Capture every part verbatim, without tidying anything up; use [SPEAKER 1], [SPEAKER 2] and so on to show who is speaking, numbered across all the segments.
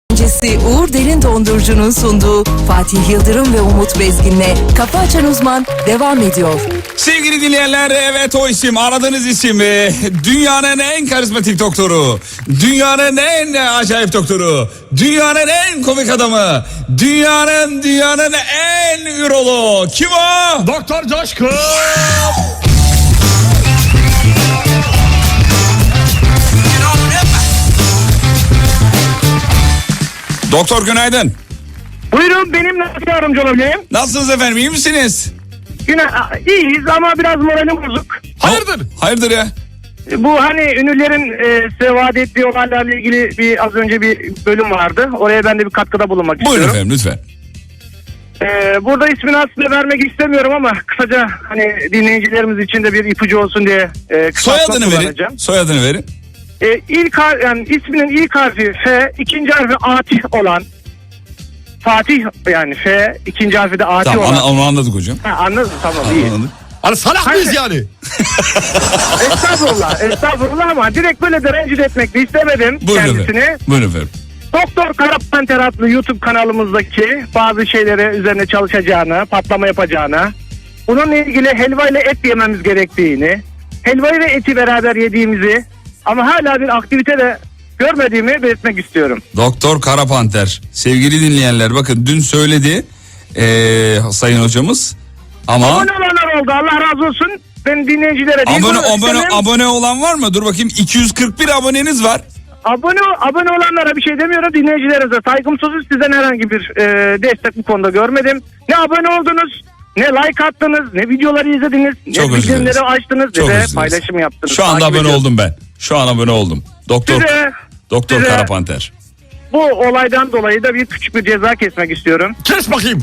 [SPEAKER 1] öncesi Uğur Derin Dondurucu'nun sunduğu Fatih Yıldırım ve Umut Bezgin'le Kafa Açan Uzman devam ediyor.
[SPEAKER 2] Sevgili dinleyenler, evet o isim, aradığınız isim e, dünyanın en karizmatik doktoru, dünyanın en acayip doktoru, dünyanın en komik adamı, dünyanın dünyanın en üroloğu. Kim o?
[SPEAKER 3] Doktor Coşkun.
[SPEAKER 2] Doktor günaydın.
[SPEAKER 4] Buyurun, benim nasıl yardımcı olabilirim?
[SPEAKER 2] Nasılsınız efendim, iyi misiniz?
[SPEAKER 4] Yine iyiyiz ama biraz moralim bozuk.
[SPEAKER 3] Hayırdır?
[SPEAKER 2] Hayırdır ya?
[SPEAKER 4] Bu hani ünlülerin e, size vaat ettiği olaylarla ilgili bir az önce bir bölüm vardı. Oraya ben de bir katkıda bulunmak
[SPEAKER 2] Buyurun
[SPEAKER 4] istiyorum.
[SPEAKER 2] efendim lütfen.
[SPEAKER 4] E, burada ismini aslında vermek istemiyorum ama kısaca hani dinleyicilerimiz için de bir ipucu olsun diye e, kısaltma
[SPEAKER 2] Soyadını verin.
[SPEAKER 4] kullanacağım.
[SPEAKER 2] Soyadını verin.
[SPEAKER 4] E, ilk har- yani isminin ilk harfi F, ikinci harfi Atih olan Fatih, yani F, ikinci harfi de Atih
[SPEAKER 2] Tamam,
[SPEAKER 4] olan.
[SPEAKER 2] onu, onu anladık hocam.
[SPEAKER 4] Ha, anladın, tamam, iyi.
[SPEAKER 2] Anladık.
[SPEAKER 3] Hani salak mıyız yani?
[SPEAKER 4] Estağfurullah, estağfurullah ama direkt böyle de rencide etmek de istemedim
[SPEAKER 2] Buyurun
[SPEAKER 4] kendisini.
[SPEAKER 2] efendim. Buyurun efendim.
[SPEAKER 4] Doktor Karapanter adlı YouTube kanalımızdaki bazı şeyleri üzerine çalışacağını, patlama yapacağını, bununla ilgili helva ile et yememiz gerektiğini, helvayı ve eti beraber yediğimizi ama hala bir aktivite de görmediğimi belirtmek istiyorum.
[SPEAKER 2] Doktor Karapanter. Sevgili dinleyenler, bakın dün söyledi ee, sayın hocamız ama...
[SPEAKER 4] Abone olanlar oldu, Allah razı olsun. Ben dinleyicilere değil,
[SPEAKER 2] Abone,
[SPEAKER 4] bunu
[SPEAKER 2] abone,
[SPEAKER 4] istemem.
[SPEAKER 2] abone olan var mı? Dur bakayım, iki yüz kırk bir aboneniz var.
[SPEAKER 4] Abone abone olanlara bir şey demiyorum, dinleyicilerinize saygım sonsuz. Sizden herhangi bir e, destek bu konuda görmedim. Ne abone oldunuz, ne like attınız, ne videoları izlediniz,
[SPEAKER 2] Çok
[SPEAKER 4] ne
[SPEAKER 2] özür dileriz.
[SPEAKER 4] bildirimleri açtınız,
[SPEAKER 2] Çok
[SPEAKER 4] ne de
[SPEAKER 2] özür dileriz.
[SPEAKER 4] paylaşım yaptınız.
[SPEAKER 2] Şu anda
[SPEAKER 4] Takip
[SPEAKER 2] abone
[SPEAKER 4] ediyorum.
[SPEAKER 2] oldum ben. Şu an abone oldum. Doktor
[SPEAKER 4] Size,
[SPEAKER 2] Doktor
[SPEAKER 4] size
[SPEAKER 2] Karapanter.
[SPEAKER 4] bu olaydan dolayı da bir küçük bir ceza kesmek istiyorum.
[SPEAKER 3] Kes bakayım.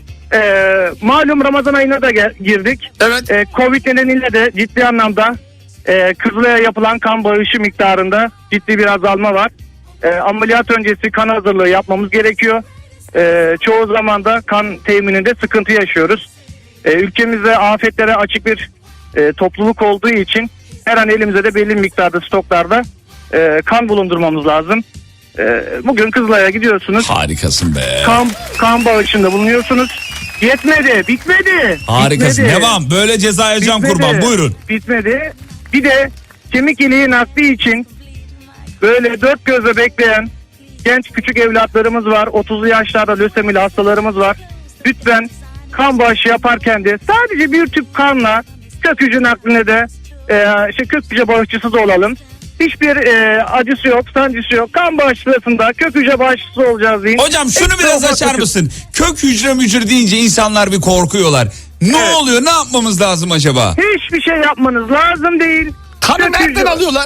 [SPEAKER 4] Ee, malum Ramazan ayına da gel- girdik.
[SPEAKER 3] Evet.
[SPEAKER 4] Ee, Covid nedeniyle de ciddi anlamda e, Kızılay'a yapılan kan bağışı miktarında ciddi bir azalma var. Ee, ameliyat öncesi kan hazırlığı yapmamız gerekiyor. Ee, çoğu zaman da kan temininde sıkıntı yaşıyoruz. Ee, ülkemizde afetlere açık bir e, topluluk olduğu için her an elimize de belli miktarda stoklarda e, kan bulundurmamız lazım. Ee, bugün Kızılay'a gidiyorsunuz.
[SPEAKER 2] Harikasın be.
[SPEAKER 4] Kan, kan bağışında bulunuyorsunuz. Yetmedi, bitmedi.
[SPEAKER 2] Harikasın.
[SPEAKER 4] Bitmedi.
[SPEAKER 2] Devam. Böyle ceza yiyeceğim
[SPEAKER 4] Bitmedi.
[SPEAKER 2] kurban. Buyurun.
[SPEAKER 4] Bitmedi. Bir de kemik iliği nakli için böyle dört gözle bekleyen genç küçük evlatlarımız var. otuzlu yaşlarda lösemili hastalarımız var. Lütfen kan bağışı yaparken de sadece bir tüp kanla kök hücre nakline de e, işte kök hücre bağışçısı da olalım. Hiçbir e, acısı yok, sancısı yok. Kan bağışı sırasında kök hücre bağışçısı olacağız deyin.
[SPEAKER 2] Hocam şunu
[SPEAKER 4] Ekstra
[SPEAKER 2] biraz
[SPEAKER 4] ufak
[SPEAKER 2] açar
[SPEAKER 4] bir-
[SPEAKER 2] mısın? Kök hücre mücre deyince insanlar bir korkuyorlar. Ne
[SPEAKER 4] Evet.
[SPEAKER 2] oluyor? Ne yapmamız lazım acaba?
[SPEAKER 4] Hiçbir şey yapmanız lazım değil.
[SPEAKER 3] Kanı
[SPEAKER 4] Kök
[SPEAKER 3] nereden
[SPEAKER 4] hücre-
[SPEAKER 3] alıyorlar?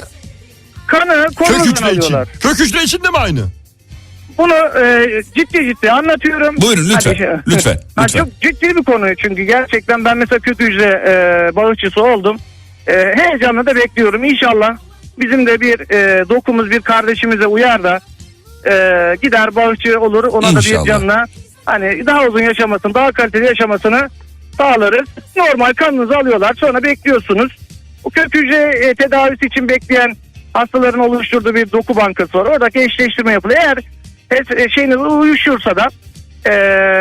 [SPEAKER 4] Kanı
[SPEAKER 3] Kök
[SPEAKER 4] kolunuzdan
[SPEAKER 3] hücre için.
[SPEAKER 4] alıyorlar.
[SPEAKER 3] Kök hücre için de mi aynı?
[SPEAKER 4] Bunu e, ciddi ciddi anlatıyorum.
[SPEAKER 2] Buyurun, lütfen,
[SPEAKER 4] Hadi.
[SPEAKER 2] lütfen,
[SPEAKER 4] Ha,
[SPEAKER 2] lütfen.
[SPEAKER 4] Çok ciddi bir konu çünkü gerçekten ben mesela kök hücre e, bağışçısı oldum. E, heyecanla da bekliyorum. İnşallah bizim de bir e, dokumuz bir kardeşimize uyar da e, gider bağışçı olur. Ona
[SPEAKER 2] İnşallah.
[SPEAKER 4] da bir canla hani daha uzun yaşamasını, daha kaliteli yaşamasını sağlarız. Normal kanınızı alıyorlar. Sonra bekliyorsunuz. O kök hücre e, tedavisi için bekleyen hastaların oluşturduğu bir doku bankası var. Oradaki eşleştirme yapılıyor. Eğer e, şeyiniz uyuşursa da e,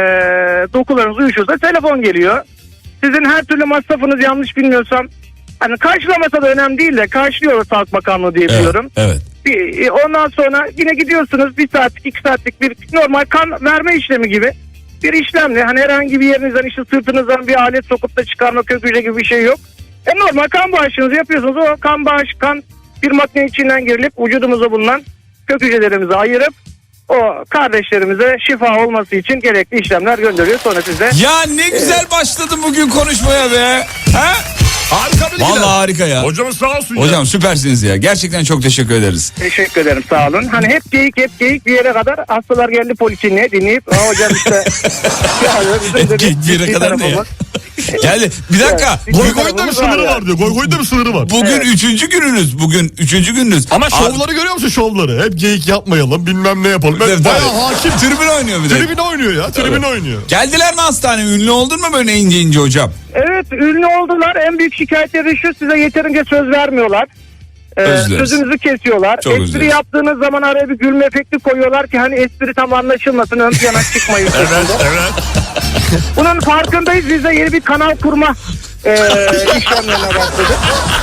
[SPEAKER 4] dokularınız uyuşursa telefon geliyor. Sizin her türlü masrafınız yanlış bilmiyorsam hani karşılamasa da önemli değil de karşılıyor Sağlık Bakanlığı diye
[SPEAKER 2] Evet,
[SPEAKER 4] biliyorum.
[SPEAKER 2] evet.
[SPEAKER 4] Bir, e, ondan sonra yine gidiyorsunuz bir saatlik iki saatlik bir normal kan verme işlemi gibi bir işlemle hani herhangi bir yerinizden işte sırtınızdan bir alet sokup da çıkarma kök hücre gibi bir şey yok. E normal kan bağışınızı yapıyorsunuz. O kan bağış kan bir makine içinden girilip vücudumuza bulunan kök hücrelerimizi ayırıp o kardeşlerimize şifa olması için gerekli işlemler gönderiyor. Sonra siz de
[SPEAKER 2] Ya ne güzel başladın bugün konuşmaya be. Ha?
[SPEAKER 3] Harika bilgiler.
[SPEAKER 2] Vallahi harika ya.
[SPEAKER 3] Hocamız sağ olsun ya.
[SPEAKER 2] Hocam süpersiniz ya. Gerçekten çok teşekkür ederiz.
[SPEAKER 4] teşekkür ederim, sağ olun. Hani hep geyik hep geyik bir yere kadar hastalar geldi polikliniğe dinleyip "Aa, hocam işte ya, bizim de
[SPEAKER 2] Hep geyik bir yere
[SPEAKER 4] ciddi
[SPEAKER 2] kadar ne ya?
[SPEAKER 4] tarafımız."
[SPEAKER 2] Geldi. Bir dakika.
[SPEAKER 4] Evet.
[SPEAKER 3] Goy goyda bir sınırı var diyor. Goy goyda bir sınırı var.
[SPEAKER 2] Bugün
[SPEAKER 4] Evet.
[SPEAKER 2] üçüncü gününüz. Bugün üçüncü gününüz.
[SPEAKER 3] Ama
[SPEAKER 2] Abi-
[SPEAKER 3] şovları görüyor musun şovları? Hep geyik yapmayalım bilmem ne yapalım.
[SPEAKER 2] Evet,
[SPEAKER 3] Ben bayağı
[SPEAKER 2] tabii.
[SPEAKER 3] hakim.
[SPEAKER 2] Tribün oynuyor bir de.
[SPEAKER 3] Tribün oynuyor ya. Tribün oynuyor.
[SPEAKER 2] Geldiler mi hastaneye? Ünlü oldun mu böyle ince ince hocam?
[SPEAKER 4] Evet, ünlü oldular. En büyük şikayetleri şu: size yeterince söz vermiyorlar. Ee,
[SPEAKER 2] Özür dileriz.
[SPEAKER 4] sözünüzü kesiyorlar.
[SPEAKER 2] Çok özür
[SPEAKER 4] espri
[SPEAKER 2] dileriz.
[SPEAKER 4] yaptığınız zaman araya bir gülme efekti koyuyorlar ki hani espri tam anlaşılmasın, ön plana çıkmayın.
[SPEAKER 3] Evet evet.
[SPEAKER 4] Bunun farkındayız. Biz de yeni bir kanal kurma e, işlemlerine başladık.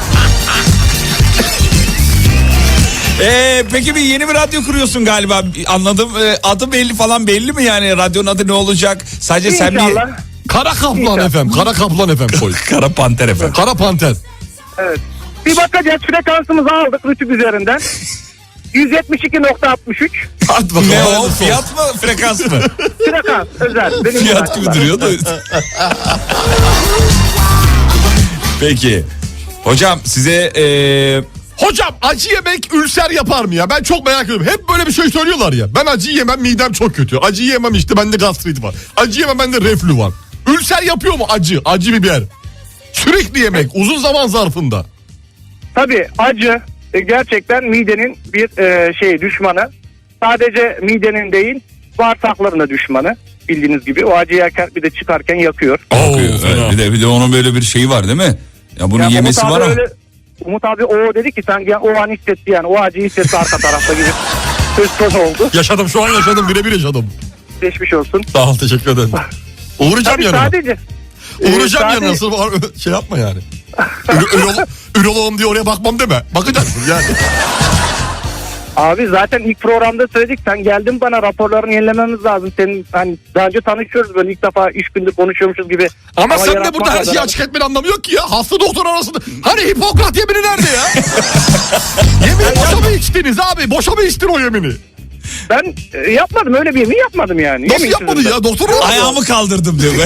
[SPEAKER 2] Ee, peki bir yeni bir radyo kuruyorsun galiba. Anladım. Ee, adı belli falan, belli mi yani? Radyonun adı ne olacak? Sadece sen bir...
[SPEAKER 4] İnşallah.
[SPEAKER 3] Kara Kaplan
[SPEAKER 4] İnşallah.
[SPEAKER 3] efendim. Kara Kaplan efendim koy.
[SPEAKER 2] Kara Panter efendim.
[SPEAKER 3] Kara Panter.
[SPEAKER 4] Evet. Bir bakacağız, frekansımızı aldık Rütük üzerinden. yüz yetmiş iki nokta altmış üç
[SPEAKER 3] Hadi bakalım.
[SPEAKER 2] Ne o?
[SPEAKER 3] hayırlısı olsun.
[SPEAKER 2] Fiyat mı? Frekans mı?
[SPEAKER 4] frekans özel. Benim
[SPEAKER 2] Fiyat gibi
[SPEAKER 4] ilaçlar.
[SPEAKER 2] duruyor da. Peki. Hocam size... ee,
[SPEAKER 3] Hocam acı yemek ülser yapar mı ya? Ben çok merak ediyorum. Hep böyle bir şey söylüyorlar ya. Ben acı yemem, midem çok kötü. Acı yemem, işte bende gastrit var. Acı yemem, bende reflü var. Ülser yapıyor mu acı? Acı biber. Sürekli yemek uzun zaman zarfında.
[SPEAKER 4] Tabii acı e, gerçekten midenin bir e, şey düşmanı. Sadece midenin değil, bağırsakların da düşmanı. Bildiğiniz gibi o acı yerken bir de çıkarken yakıyor.
[SPEAKER 2] Bakıyor,
[SPEAKER 3] fena.
[SPEAKER 2] evet. bir de bir de onun böyle bir şeyi var değil mi? Ya bunun
[SPEAKER 4] Ya
[SPEAKER 2] yemesi
[SPEAKER 4] Umut
[SPEAKER 2] var
[SPEAKER 4] abi
[SPEAKER 2] ama.
[SPEAKER 4] öyle, Umut abi o dedi ki sanki yani o an hissetti, yani o acıyı hissetti arka tarafta gibi söz konusu oldu.
[SPEAKER 3] Yaşadım, şu an yaşadım, birebir yaşadım.
[SPEAKER 4] Geçmiş olsun.
[SPEAKER 3] Sağ ol, teşekkür ederim. Uğrayacağım
[SPEAKER 4] Tabii
[SPEAKER 3] yanına.
[SPEAKER 4] sadece.
[SPEAKER 3] Uğrayacağım
[SPEAKER 4] Ee,
[SPEAKER 3] yanına.
[SPEAKER 4] sadece-
[SPEAKER 3] Sırf şey yapma yani. Ürolo- ürolo- Üroloğum diye oraya bakmam deme. Bakacaksın yani.
[SPEAKER 4] Abi zaten ilk programda söyledik, sen geldin bana raporlarını yenilememiz lazım. Senin hani daha önce tanışıyoruz, böyle ilk defa üç gündür konuşuyormuşuz gibi.
[SPEAKER 3] Ama sen de
[SPEAKER 4] yaratmak
[SPEAKER 3] burada her şeyi
[SPEAKER 4] adına-
[SPEAKER 3] açık etmeni anlamı yok ki ya. Hasta doktor arasında. Hani Hipokrat yemini nerede ya? Yemin boşa mı içtiniz abi? Boşa mı içtin o yemini?
[SPEAKER 4] Ben e, yapmadım, öyle bir yemin yapmadım yani.
[SPEAKER 3] Nasıl
[SPEAKER 4] Yemin
[SPEAKER 3] yapmadın
[SPEAKER 4] sözünden.
[SPEAKER 3] ya? Doktor mu?
[SPEAKER 2] Ayağımı kaldırdım diyor.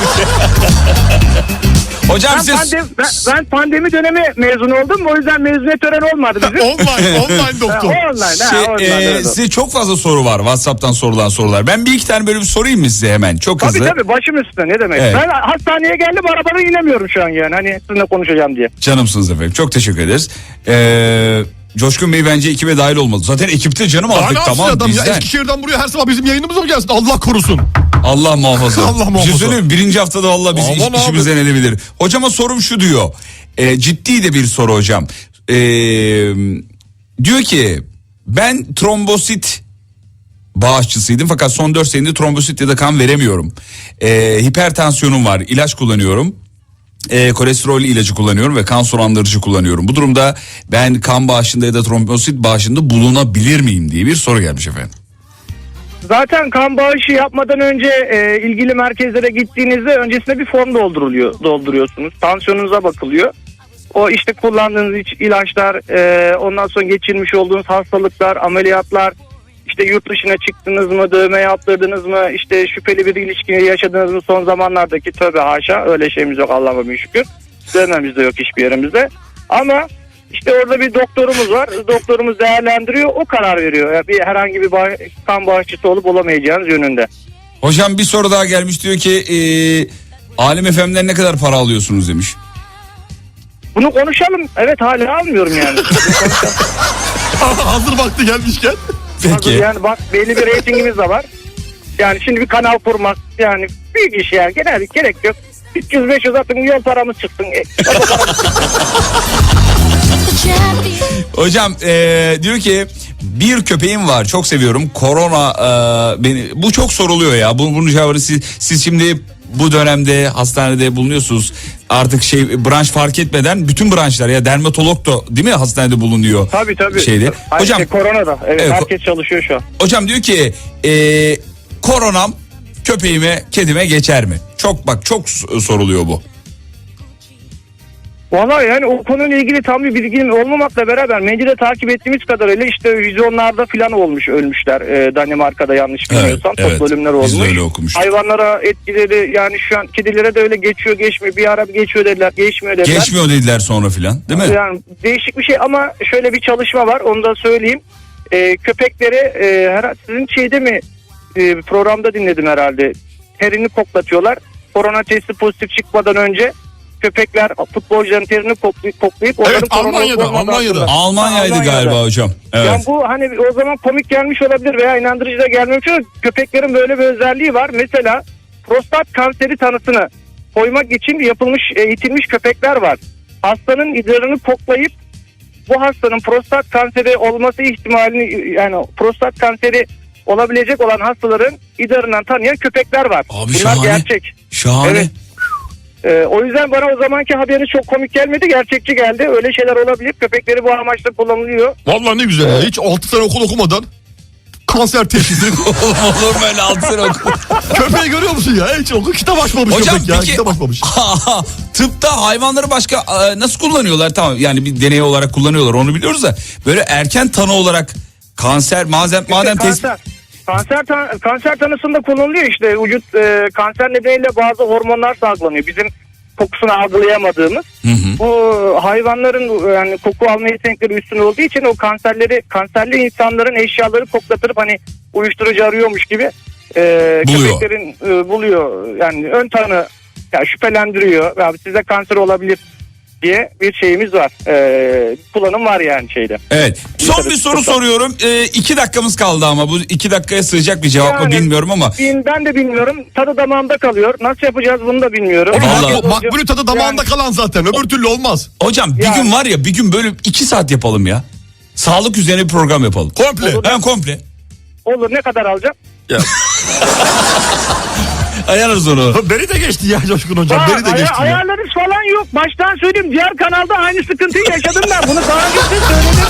[SPEAKER 2] Hocam
[SPEAKER 4] Ben,
[SPEAKER 2] siz...
[SPEAKER 4] pandemi, ben, ben pandemi dönemi mezun oldum. O yüzden mezuniyet töreni olmadı bizim.
[SPEAKER 3] Online, online
[SPEAKER 4] Ha,
[SPEAKER 3] doktor.
[SPEAKER 4] online, ha,
[SPEAKER 2] Şey,
[SPEAKER 4] online,
[SPEAKER 2] e,
[SPEAKER 4] evet.
[SPEAKER 2] size çok fazla soru var. WhatsApp'tan sorulan sorular. Ben bir iki tane böyle bir sorayım mı size hemen? Çok
[SPEAKER 4] Tabii
[SPEAKER 2] hızlı.
[SPEAKER 4] tabii, başım üstüne, ne demek.
[SPEAKER 2] Evet.
[SPEAKER 4] Ben hastaneye geldim, arabadan inemiyorum şu an yani. Hani sizinle konuşacağım diye.
[SPEAKER 2] Canımsınız efendim. Çok teşekkür ederiz. Ee, Coşkun Bey bence ekibe dahil olmalı. Zaten ekipte canım
[SPEAKER 3] Daha
[SPEAKER 2] artık
[SPEAKER 3] ne yapsın
[SPEAKER 2] tamam
[SPEAKER 3] adam ya?
[SPEAKER 2] bizden.
[SPEAKER 3] Eskişehir'den buraya her sabah bizim yayınımıza mı gelsin? Allah korusun.
[SPEAKER 2] Allah muhafaza.
[SPEAKER 3] Allah
[SPEAKER 2] Bir şey
[SPEAKER 3] muhafaza.
[SPEAKER 2] söyleyeyim mi? Birinci haftada Allah bizi
[SPEAKER 3] Aman
[SPEAKER 2] iş,
[SPEAKER 3] abi.
[SPEAKER 2] işimizden edebilir. Hocama sorum şu diyor. Ee, ciddi de bir soru hocam. Ee, diyor ki ben trombosit bağışçısıydım fakat son dört senedir trombosit ya da kan veremiyorum. Ee, hipertansiyonum var, ilaç kullanıyorum. Ee, kolesterol ilacı kullanıyorum ve kan sulandırıcı kullanıyorum. Bu durumda ben kan bağışında ya da trombosit bağışında bulunabilir miyim diye bir soru gelmiş efendim.
[SPEAKER 4] Zaten kan bağışı yapmadan önce e, ilgili merkezlere gittiğinizde öncesinde bir form dolduruluyor, dolduruyorsunuz. Tansiyonunuza bakılıyor. O işte kullandığınız iç- ilaçlar, e, ondan sonra geçirmiş olduğunuz hastalıklar, ameliyatlar, işte yurt dışına çıktınız mı, dövme yaptırdınız mı, işte şüpheli bir ilişki yaşadınız mı son zamanlardaki, tövbe haşa öyle şeyimiz yok Allah'a bin şükür. Dövmemiz de yok hiçbir yerimizde. Ama işte orada bir doktorumuz var. Doktorumuz değerlendiriyor, o karar veriyor. Yani bir herhangi bir bağ- kan bağışçısı olup olamayacağınız yönünde.
[SPEAKER 2] Hocam bir soru daha gelmiş, diyor ki e, Alem F M'den ne kadar para alıyorsunuz demiş.
[SPEAKER 4] Bunu konuşalım. Evet, hala almıyorum yani.
[SPEAKER 3] Hazır vakti gelmişken.
[SPEAKER 2] Peki.
[SPEAKER 4] Yani bak, belli bir reytingimiz de var. Yani şimdi bir kanal kurmak yani büyük iş yani. Genel gerek yok. üç yüz beş yüz atın, yol paramız çıksın. E, araba paramız çıksın.
[SPEAKER 2] Hocam e, diyor ki bir köpeğim var, çok seviyorum. Korona e, beni, bu çok soruluyor ya. Bu, bunun cevabını siz, siz şimdi bu dönemde hastanede bulunuyorsunuz. Artık şey branş fark etmeden bütün branşlar, ya dermatolog da değil mi hastanede bulunuyor.
[SPEAKER 4] Tabii tabii.
[SPEAKER 2] Şeyde.
[SPEAKER 4] Ay,
[SPEAKER 2] Hocam
[SPEAKER 4] şey, korona da. Evet,
[SPEAKER 2] Evet,
[SPEAKER 4] herkes çalışıyor şu an.
[SPEAKER 2] hocam diyor ki e, koronam köpeğime, kedime geçer mi? Çok bak çok s- soruluyor bu.
[SPEAKER 4] Valla yani o konuyla ilgili tam bir bilgim olmamakla beraber medyada takip ettiğimiz kadarıyla işte vizyonlarda falan olmuş, ölmüşler. Ee, Danimarka'da yanlış bilmiyorsam
[SPEAKER 2] Evet, evet.
[SPEAKER 4] toplu ölümler
[SPEAKER 2] Biz de
[SPEAKER 4] olmuş.
[SPEAKER 2] öyle okumuştuk.
[SPEAKER 4] Hayvanlara etkileri yani şu an kedilere de öyle geçiyor geçmiyor. Bir ara bir geçiyor dediler, geçmiyor dediler.
[SPEAKER 2] Geçmiyor dediler sonra filan değil mi?
[SPEAKER 4] Yani değişik bir şey ama şöyle bir çalışma var, onu da söyleyeyim. Ee, köpekleri e, her, sizin şeyde mi e, programda dinledim herhalde. Terini koklatıyorlar. Korona testi pozitif çıkmadan önce köpekler futbolcuların terini koklayıp, koklayıp onların
[SPEAKER 3] Evet,
[SPEAKER 4] korona
[SPEAKER 3] Almanya'da,
[SPEAKER 4] olmadan
[SPEAKER 3] Almanya'da.
[SPEAKER 4] sonra-
[SPEAKER 2] Almanya'ydı
[SPEAKER 4] Almanya'da.
[SPEAKER 2] galiba hocam. Evet.
[SPEAKER 4] Yani bu hani o zaman komik gelmiş olabilir veya inandırıcı da gelmemiş olabilir. Köpeklerin böyle bir özelliği var. Mesela prostat kanseri tanısını koymak için yapılmış, eğitilmiş köpekler var. Hastanın idrarını koklayıp bu hastanın prostat kanseri olması ihtimalini, yani prostat kanseri olabilecek olan hastaların idarından tanıyan köpekler var.
[SPEAKER 2] Abi
[SPEAKER 4] Bunlar
[SPEAKER 2] şahane.
[SPEAKER 4] gerçek.
[SPEAKER 2] Şahane.
[SPEAKER 4] Evet. Ee, o yüzden bana o zamanki haberi çok komik gelmedi, gerçekçi geldi. Öyle şeyler olabilir. Köpekleri bu amaçla kullanılıyor.
[SPEAKER 3] Vallahi ne güzel ya. Hiç altı sene okul okumadan kanser teşhisi.
[SPEAKER 2] Olur mu öyle altı sene oku?
[SPEAKER 3] Köpeği görüyor musun ya? Hiç okul kitap açmamış
[SPEAKER 2] Hocam
[SPEAKER 3] köpek ya.
[SPEAKER 2] peki
[SPEAKER 3] Kitap açmamış.
[SPEAKER 2] tıpta hayvanları başka e, nasıl kullanıyorlar? Tamam, yani bir deney olarak kullanıyorlar, onu biliyoruz da böyle erken tanı olarak kanser madem madem tespit.
[SPEAKER 4] kanser. Kanser, tan- kanser tanısında kullanılıyor işte. Vücut e, kanser nedeniyle bazı hormonlar salgılanıyor. Bizim kokusunu algılayamadığımız.
[SPEAKER 2] Hı hı.
[SPEAKER 4] Bu hayvanların yani koku alma yetenekleri üstün olduğu için o kanserleri, kanserli insanların eşyaları koklatırıp hani uyuşturucu arıyormuş gibi e,
[SPEAKER 2] Buluyor.
[SPEAKER 4] köpeklerin e, buluyor. Yani ön tanı, yani şüphelendiriyor. Abi size kanser olabilir diye bir şeyimiz var. E, kullanım var yani şeyde.
[SPEAKER 2] Evet. Son bir soru soruyorum. E, iki dakikamız kaldı ama bu iki dakikaya sığacak bir cevap mı
[SPEAKER 4] Yani,
[SPEAKER 2] bilmiyorum ama.
[SPEAKER 4] bin- Ben de bilmiyorum. Tadı damağımda kalıyor. Nasıl yapacağız bunu da bilmiyorum.
[SPEAKER 2] Vallahi-
[SPEAKER 3] Bak, makbulü tadı damağında
[SPEAKER 4] Yani-
[SPEAKER 3] kalan zaten. Öbür türlü olmaz.
[SPEAKER 2] Hocam bir
[SPEAKER 4] Yani-
[SPEAKER 2] gün var ya, bir gün böyle iki saat yapalım ya. Sağlık üzerine bir program yapalım.
[SPEAKER 3] Komple.
[SPEAKER 4] Olur.
[SPEAKER 2] Hem komple.
[SPEAKER 4] Olur, ne kadar alacağım?
[SPEAKER 3] Ya.
[SPEAKER 2] Ayarlarız onu.
[SPEAKER 3] Beni de geçti ya Coşkun hocam.
[SPEAKER 4] Aa,
[SPEAKER 3] Beni de
[SPEAKER 4] aya-
[SPEAKER 3] geçti ya.
[SPEAKER 4] ayarlarız falan yok. Baştan söyleyeyim, diğer kanalda aynı sıkıntıyı yaşadım ben. Bunu daha önce de söyledim.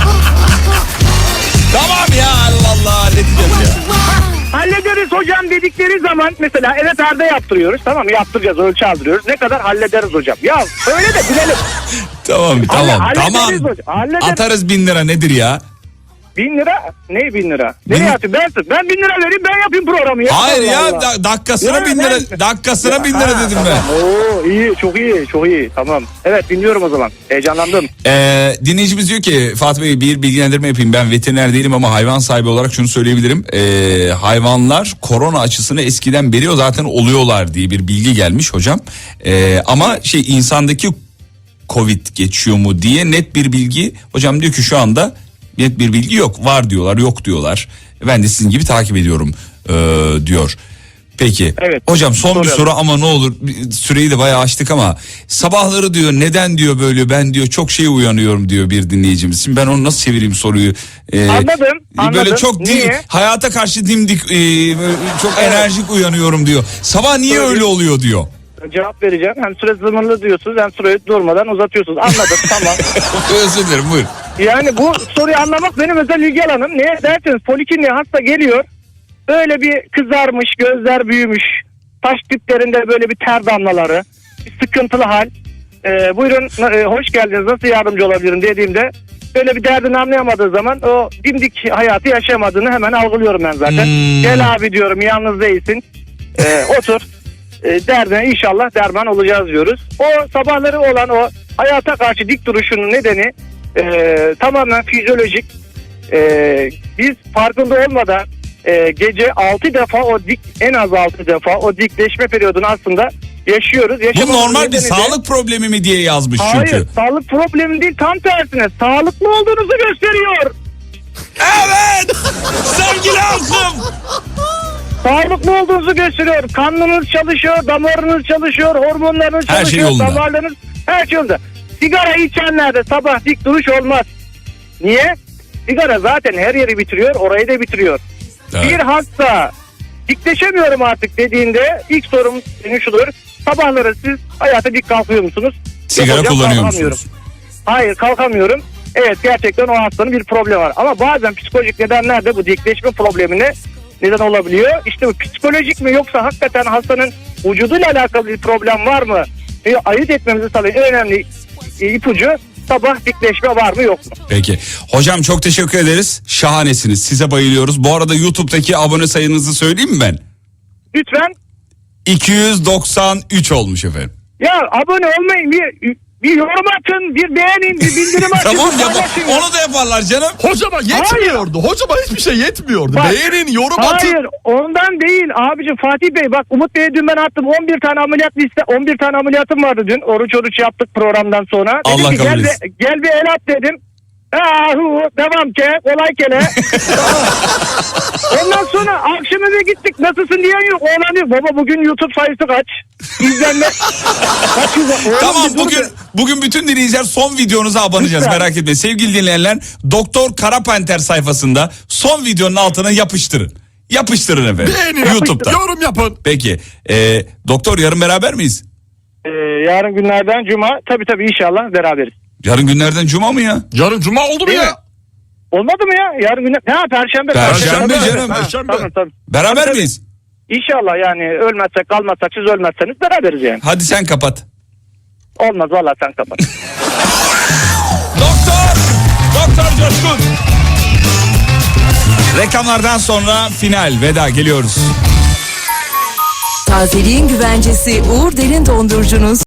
[SPEAKER 2] Tamam ya, Allah Allah, halledeceğiz ya.
[SPEAKER 4] Hallederiz hocam dedikleri zaman mesela evet Arda yaptırıyoruz. Tamam, yaptıracağız, ölçü aldırıyoruz. Ne kadar hallederiz hocam. Ya öyle de bilelim.
[SPEAKER 2] Tamam tamam
[SPEAKER 4] hallederiz
[SPEAKER 2] tamam.
[SPEAKER 4] hocam, hallederiz.
[SPEAKER 2] Atarız bin lira, nedir ya?
[SPEAKER 4] Bin lira? Ne bin lira? Nereye
[SPEAKER 2] Bin-
[SPEAKER 4] atayım? Ben, ben bin lira vereyim, ben yapayım programı. Ya.
[SPEAKER 2] Hayır
[SPEAKER 4] Allah
[SPEAKER 2] ya,
[SPEAKER 4] Allah.
[SPEAKER 2] da- dakikasına
[SPEAKER 4] Ya
[SPEAKER 2] bin
[SPEAKER 4] ben-
[SPEAKER 2] lira, dakikasına bin
[SPEAKER 4] Ha,
[SPEAKER 2] lira dedim ben.
[SPEAKER 4] Oo, iyi, çok iyi, çok iyi. Tamam. Evet, dinliyorum o zaman. Heyecanlandım.
[SPEAKER 2] Ee, dinleyicimiz diyor ki Fatih Bey, bir bilgilendirme yapayım. Ben veteriner değilim ama hayvan sahibi olarak şunu söyleyebilirim. Ee, hayvanlar korona aşısını eskiden beri o zaten oluyorlar diye bir bilgi gelmiş hocam. Ee, ama şey, insandaki Covid geçiyor mu diye net bir bilgi. Hocam diyor ki şu anda net bir bilgi yok. Var diyorlar, yok diyorlar. Ben de sizin gibi takip ediyorum ee, diyor. Peki.
[SPEAKER 4] Evet.
[SPEAKER 2] Hocam son bir
[SPEAKER 4] Soralım.
[SPEAKER 2] soru ama ne olur, süreyi de bayağı açtık ama sabahları diyor neden diyor böyle, ben diyor çok şey uyanıyorum diyor bir dinleyicimiz. Şimdi ben onu nasıl çevireyim soruyu? Ee,
[SPEAKER 4] Anladım,
[SPEAKER 2] Böyle
[SPEAKER 4] anladım.
[SPEAKER 2] çok dim-
[SPEAKER 4] Niye?
[SPEAKER 2] hayata karşı dimdik, e, böyle çok
[SPEAKER 4] Evet.
[SPEAKER 2] enerjik uyanıyorum diyor. Sabah niye
[SPEAKER 4] Söyleyeyim.
[SPEAKER 2] öyle oluyor diyor.
[SPEAKER 4] Cevap vereceğim. Hem süre sınırlı diyorsunuz hem süreyi durmadan uzatıyorsunuz. Anladım, tamam.
[SPEAKER 2] Özür dilerim, buyur.
[SPEAKER 4] Yani bu soruyu anlamak benim özel ilgi alanım. Niye derseniz polikliniğe hasta geliyor. Böyle bir kızarmış, gözler büyümüş. Taş diplerinde böyle bir ter damlaları. Bir sıkıntılı hal. Ee, buyurun e, hoş geldiniz, nasıl yardımcı olabilirim dediğimde böyle bir derdini anlayamadığı zaman o dimdik hayatı yaşayamadığını hemen algılıyorum ben zaten.
[SPEAKER 2] Hmm.
[SPEAKER 4] Gel abi diyorum, yalnız değilsin. Ee, otur. E, derdine inşallah derman olacağız diyoruz. O sabahları olan o hayata karşı dik duruşunun nedeni e, tamamen fizyolojik. E, biz farkında olmadan e, gece altı defa o dik, en az altı defa o dikleşme periyodunu aslında yaşıyoruz.
[SPEAKER 2] Bu
[SPEAKER 4] Yaşamamızın
[SPEAKER 2] normal bir
[SPEAKER 4] nedeni de-
[SPEAKER 2] sağlık problemi mi diye yazmış
[SPEAKER 4] Hayır,
[SPEAKER 2] çünkü.
[SPEAKER 4] sağlık problemi değil, tam tersine sağlıklı olduğunuzu gösteriyor.
[SPEAKER 2] Evet! Sevgili halkım!
[SPEAKER 4] Sağlıklı olduğunuzu gösteriyor. Kanınız çalışıyor, damarınız çalışıyor, hormonlarınız
[SPEAKER 2] Her şey
[SPEAKER 4] çalışıyor,
[SPEAKER 2] yolunda.
[SPEAKER 4] damarlarınız, her şey yolunda. Sigara içenlerde sabah dik duruş olmaz. Niye? Sigara zaten her yeri bitiriyor, orayı da bitiriyor.
[SPEAKER 2] Evet.
[SPEAKER 4] Bir hasta dikleşemiyorum artık dediğinde ilk sorum senin şudur. Sabahları siz hayata dik kalkıyor musunuz?
[SPEAKER 2] Sigara
[SPEAKER 4] Yok hocam,
[SPEAKER 2] kullanıyor
[SPEAKER 4] kalkamıyorum.
[SPEAKER 2] musunuz?
[SPEAKER 4] Hayır, kalkamıyorum. Evet, gerçekten o hastanın bir problemi var. Ama bazen psikolojik nedenler de bu dikleşme problemine neden olabiliyor. İşte bu psikolojik mi yoksa hakikaten hastanın vücuduyla alakalı bir problem var mı? E, ayırt etmemizi sağlayan en önemli e, ipucu sabah dikleşme var mı yok mu?
[SPEAKER 2] Peki. Hocam çok teşekkür ederiz. Şahanesiniz. Size bayılıyoruz. Bu arada YouTube'daki abone sayınızı söyleyeyim mi ben?
[SPEAKER 4] Lütfen
[SPEAKER 2] iki yüz doksan üç olmuş efendim.
[SPEAKER 4] ya abone olmayın, bir, bir yorum atın, bir beğenin, bir bildirim atın.
[SPEAKER 2] Tamam
[SPEAKER 4] bir
[SPEAKER 2] ya,
[SPEAKER 4] paylaşın ya.
[SPEAKER 2] onu da yaparlar canım.
[SPEAKER 3] Hocama yetmiyordu. Hocama hiçbir şey yetmiyordu.
[SPEAKER 4] Bak,
[SPEAKER 3] Beğenin, yorum atın.
[SPEAKER 4] Hayır, ondan değil abicim. Fatih Bey bak, Umut Bey'e dün ben attım on bir tane ameliyat liste, on bir tane ameliyatım vardı dün. Oruç oruç yaptık programdan sonra. Dedim
[SPEAKER 2] Allah
[SPEAKER 4] ki,
[SPEAKER 2] kabul
[SPEAKER 4] gel,
[SPEAKER 2] etsin.
[SPEAKER 4] bir, gel bir el at dedim. Ha, hu, devam ke, kolay kele. Ondan sonra akşam eve gittik, nasılsın diyen yok. Oğlan diyor, baba bugün YouTube sayısı kaç? İzlenme. Kaç yüz- Oğlum
[SPEAKER 2] Tamam,
[SPEAKER 4] bir dur
[SPEAKER 2] bugün
[SPEAKER 4] be.
[SPEAKER 2] bugün bütün dinleyiciler son videonuza abanacağız,
[SPEAKER 4] Lütfen.
[SPEAKER 2] merak etmeyin. Sevgili dinleyenler, Doktor Karapanter sayfasında son videonun altına yapıştırın. Yapıştırın efendim.
[SPEAKER 3] Beğenin,
[SPEAKER 2] YouTube'da.
[SPEAKER 3] yorum yapın.
[SPEAKER 2] Peki. E, doktor, yarın beraber miyiz?
[SPEAKER 4] Ee, yarın günlerden cuma. Tabii tabii inşallah beraberiz.
[SPEAKER 2] Yarın günlerden cuma mı ya?
[SPEAKER 3] Yarın cuma oldu mu
[SPEAKER 4] Değil
[SPEAKER 3] ya?
[SPEAKER 4] mi? Olmadı mı ya? Yarın günler... Ha perşembe.
[SPEAKER 2] Perşembe
[SPEAKER 3] Perşembe,
[SPEAKER 2] canım.
[SPEAKER 4] Ha,
[SPEAKER 3] Perşembe.
[SPEAKER 4] Tamam tamam.
[SPEAKER 2] Beraber
[SPEAKER 4] Tabii,
[SPEAKER 2] miyiz?
[SPEAKER 4] İnşallah yani ölmezsek kalmazsak siz ölmezseniz beraberiz yani.
[SPEAKER 2] Hadi sen kapat.
[SPEAKER 4] Olmaz valla sen kapat.
[SPEAKER 2] Doktor! Doktor Coşkun! Reklamlardan sonra final, veda, geliyoruz.
[SPEAKER 1] Tazeliğin güvencesi Uğur Derin Dondurucu'nun